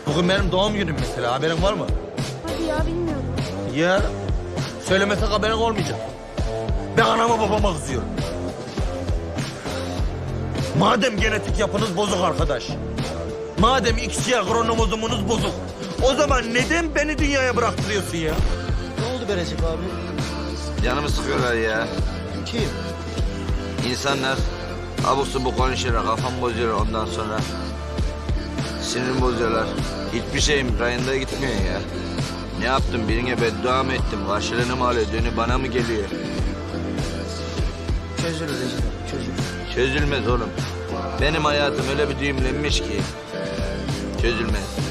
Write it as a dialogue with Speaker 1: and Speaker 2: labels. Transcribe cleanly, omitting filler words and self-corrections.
Speaker 1: Bugün benim doğum günüm mesela, haberin var mı?
Speaker 2: Hadi ya, bilmiyorum.
Speaker 1: Ya söylemesek haberin olmayacak. Ben anama babama kızıyorum. Madem genetik yapınız bozuk arkadaş. Madem XY kromozomunuz bozuk. O zaman neden beni dünyaya bıraktırıyorsun ya?
Speaker 3: Ne oldu be Recep abi?
Speaker 4: Canımı sıkıyorlar ya.
Speaker 3: Kim?
Speaker 4: İnsanlar abuk subuk konuşuyorlar, kafam bozuyor ondan sonra. Sinirim bozuyorlar. Hiçbir şeyim rayında gitmiyor ya. Ne yaptım? Birine beddua mı ettim? Karşılığını mı alıyor? Dönü bana mı geliyor?
Speaker 3: Çözülür Recep abi, çözülür.
Speaker 4: Çözülmez oğlum. Benim hayatım öyle bir düğümlenmiş ki. Çözülmez.